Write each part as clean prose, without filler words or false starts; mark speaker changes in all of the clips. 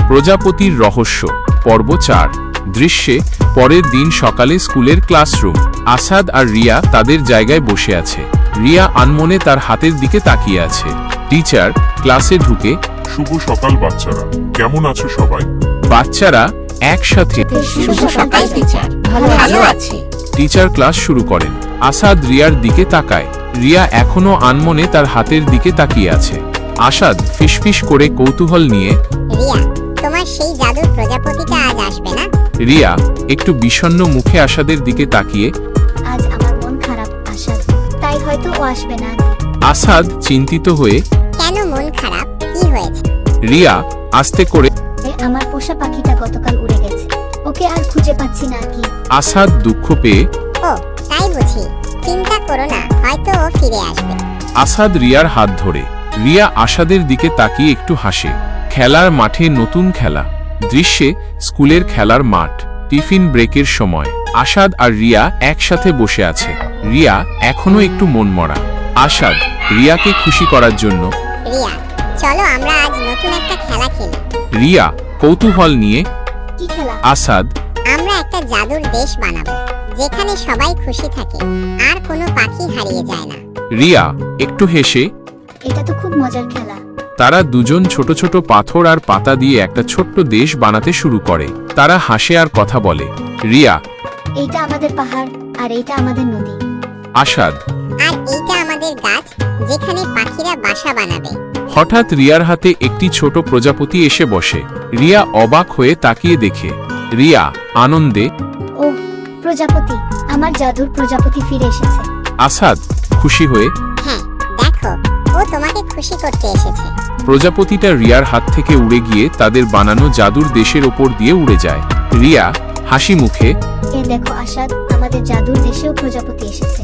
Speaker 1: প্রজাপতির রহস্য পর্ব ৪ দৃশ্যে পরের দিন সকালে স্কুলের ক্লাসরুম। আসাদ আর রিয়া তাদের জায়গায় বসে আছে। রিয়া আনমনে তার হাতের দিকে তাকিয়ে আছে। টিচার ক্লাসে ঢুকে,
Speaker 2: শুভ সকাল বাচ্চারা, কেমন আছো সবাই?
Speaker 1: বাচ্চারা একসাথে
Speaker 3: শুভ সকাল টিচার, ভালো আছি।
Speaker 1: টিচার ক্লাস শুরু করেন। আসাদ রিয়ার দিকে তাকায়। রিয়া এখনো আনমনে তার হাতের দিকে তাকিয়ে আছে। আসাদ ফিসফিস করে কৌতূহল নিয়ে,
Speaker 3: রিয়া, তোমার সেই জাদুর প্রজাপতিটা আজ আসবে না?
Speaker 1: রিয়া একটু বিষণ্ণ মুখে আসাদের দিকে তাকিয়ে,
Speaker 4: আজ আমার মন খারাপ আসাদ, তাই হয়তো ও আসবে না।
Speaker 1: আসাদ চিন্তিত হয়ে,
Speaker 3: কেন মন খারাপ, কি হয়েছে?
Speaker 1: রিয়া আস্তে করে,
Speaker 4: আমার পোষা পাখিটা গতকাল উড়ে গেছে, ওকে আর খুঁজে পাচ্ছি না। কি?
Speaker 1: আসাদ দুঃখ পেয়ে,
Speaker 3: ও তাই বুঝি, চিন্তা করো না, হয়তো ও ফিরে আসবে।
Speaker 1: আসাদ রিয়ার হাত ধরে। রিয়া আসাদের দিকে তাকিয়ে একটু হাসে। খেলার মাঠে নতুন খেলা। দৃশ্যে স্কুলের খেলার মাঠ। টিফিন ব্রেকের সময় আসাদ আর রিয়া একসাথে বসে আছে। রিয়া এখনো একটু মনমরা। আসাদ রিয়াকে খুশি করার জন্য,
Speaker 3: রিয়া, চলো আমরা আজ নতুন একটা খেলা খেলি।
Speaker 1: রিয়া কৌতূহল নিয়ে,
Speaker 4: কি খেলা?
Speaker 1: আসাদ
Speaker 3: আমরা একটা জাদুর দেশ বানাবো, যেখানে সবাই খুশি থাকে আর কোনো পাখি হারিয়ে যায় না।
Speaker 1: রিয়া একটু হেসে।
Speaker 4: এটা তো খুব মজার খেলা।
Speaker 1: তারা দুজন ছোট ছোট পাথর আর পাতা দিয়ে একটা ছোট্ট দেশ বানাতে শুরু করে। তারা হাসে আর কথা বলে। রিয়া,
Speaker 4: এইটা আমাদের পাহাড় আর এইটা আমাদের নদী।
Speaker 1: আসাদ,
Speaker 3: আর এইটা আমাদের গাছ, যেখানে পাখিরা বাসা বানাবে।
Speaker 1: হঠাৎ রিয়ার হাতে একটি ছোট প্রজাপতি এসে বসে। রিয়া অবাক হয়ে তাকিয়ে দেখে। রিয়া আনন্দে,
Speaker 4: ও প্রজাপতি, আমার জাদুর প্রজাপতি ফিরে এসেছে।
Speaker 1: আসাদ খুশি হয়ে,
Speaker 3: হ্যাঁ, দেখো, ও তোমাকে খুশি করতে এসেছে।
Speaker 1: প্রজাপতিটা রিয়ার হাত থেকে উড়ে গিয়ে তাদের বানানো জাদুর দেশের ওপর দিয়ে উড়ে যায়। রিয়া হাসি মুখে,
Speaker 4: এ দেখো আসাদ, আমাদের জাদুর দেশেও প্রজাপতি এসেছে।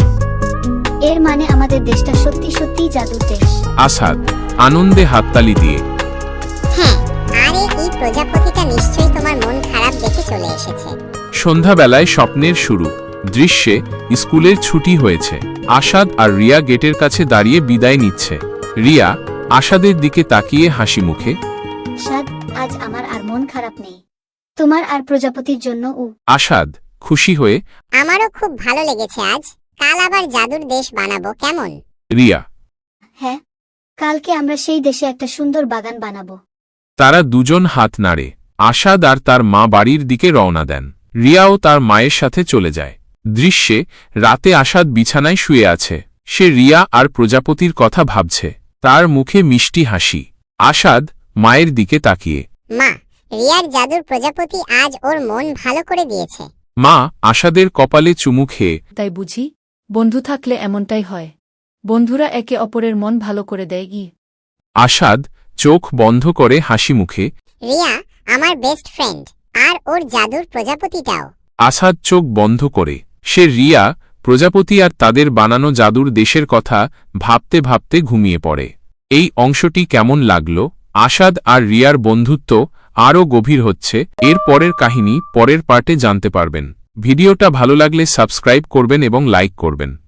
Speaker 4: এর মানে আমাদের দেশটা সত্যি সত্যিই জাদুর দেশ।
Speaker 1: আসাদ আনন্দে হাততালি দিয়ে,
Speaker 3: হ্যাঁ, আরে এই প্রজাপতিটা নিশ্চয়ই তোমার মন খারাপ দেখে চলে এসেছে।
Speaker 1: সন্ধ্যাবেলায় স্বপ্নের শুরু। দৃশ্যে স্কুলের ছুটি হয়েছে। আসাদ আর রিয়া গেটের কাছে দাঁড়িয়ে বিদায় নিচ্ছে। রিয়া আসাদের দিকে তাকিয়ে হাসি মুখে,
Speaker 4: আসাদ, আজ আমার আর মন খারাপ নেই, তোমার আর প্রজাপতির জন্য।
Speaker 1: আসাদ খুশি হয়ে,
Speaker 3: আমারও খুব ভালো লেগেছে আজ। কাল আবার জাদুর দেশ বানাবো, কেমন?
Speaker 1: রিয়া।
Speaker 4: হ্যাঁ, কালকে আমরা সেই দেশে একটা সুন্দর বাগান বানাবো।
Speaker 1: তারা দুজন হাত নাড়ে। আসাদ আর তার মা বাড়ির দিকে রওনা দেন। রিয়াও তার মায়ের সাথে চলে যায়। দৃশ্যে রাতে আসাদ বিছানায় শুয়ে আছে। সে রিয়া আর প্রজাপতির কথা ভাবছে। তার মুখে মিষ্টি হাসি। আসাদ মায়ের দিকে তাকিয়ে,
Speaker 3: মা, রিয়ার জাদুর প্রজাপতি আজ ওর মন ভালো করে দিয়েছে।
Speaker 1: মা আসাদের কপালে চুমু খেয়ে,
Speaker 5: তাই বুঝি, বন্ধু থাকলে এমনটাই হয়, বন্ধুরা একে অপরের মন ভালো করে দেয়। কি?
Speaker 1: আসাদ চোখ বন্ধ করে হাসি মুখে,
Speaker 3: রিয়া আমার বেস্ট ফ্রেন্ড, আর ওর জাদুর প্রজাপতিটাও।
Speaker 1: আসাদ চোখ বন্ধ করে। সে রিয়া, প্রজাপতি আর তাদের বানানো জাদুর দেশের কথা ভাবতে ভাবতে ঘুমিয়ে পড়ে। এই অংশটি কেমন লাগলো? আসাদ আর রিয়ার বন্ধুত্ব আরও গভীর হচ্ছে। এর পরের কাহিনী পরের পার্টে জানতে পারবেন। ভিডিওটা ভালো লাগলে সাবস্ক্রাইব করবেন এবং লাইক করবেন।